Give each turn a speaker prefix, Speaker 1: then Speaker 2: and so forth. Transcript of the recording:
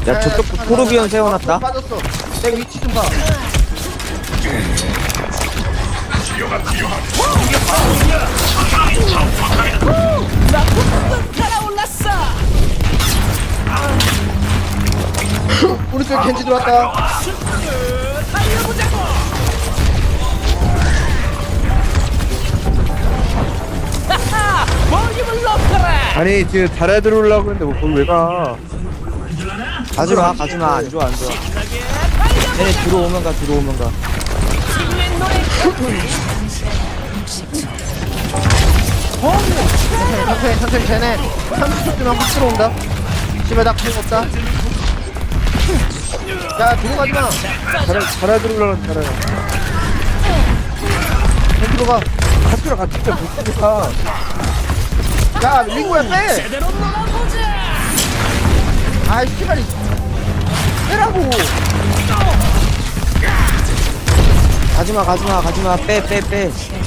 Speaker 1: 야 저쪽 토르비온 세워놨다.
Speaker 2: 빠졌어. 내 위치 좀 봐. 우리 쪽에 겐지 들어왔다.
Speaker 3: 아니 지금 달아 들어오려고 했는데 뭐 거기 왜 가?
Speaker 1: 가지마 가지마 안 좋아 안 좋아. 얘네 들어오면 가 들어오면 가.
Speaker 2: 천천히 쟤네 30초 뒤면 확 들어온다. 씨발 나 구멍 없다. 야 들어가지 마.
Speaker 3: 달아 들어오려고 달아.
Speaker 2: 겐지로 가.
Speaker 3: 학교랑 같이 진짜 못 가.
Speaker 2: 야 링고야 빼. 아이 씨발 빼라고.
Speaker 1: 가지마 가지마 가지마 빼 빼 빼.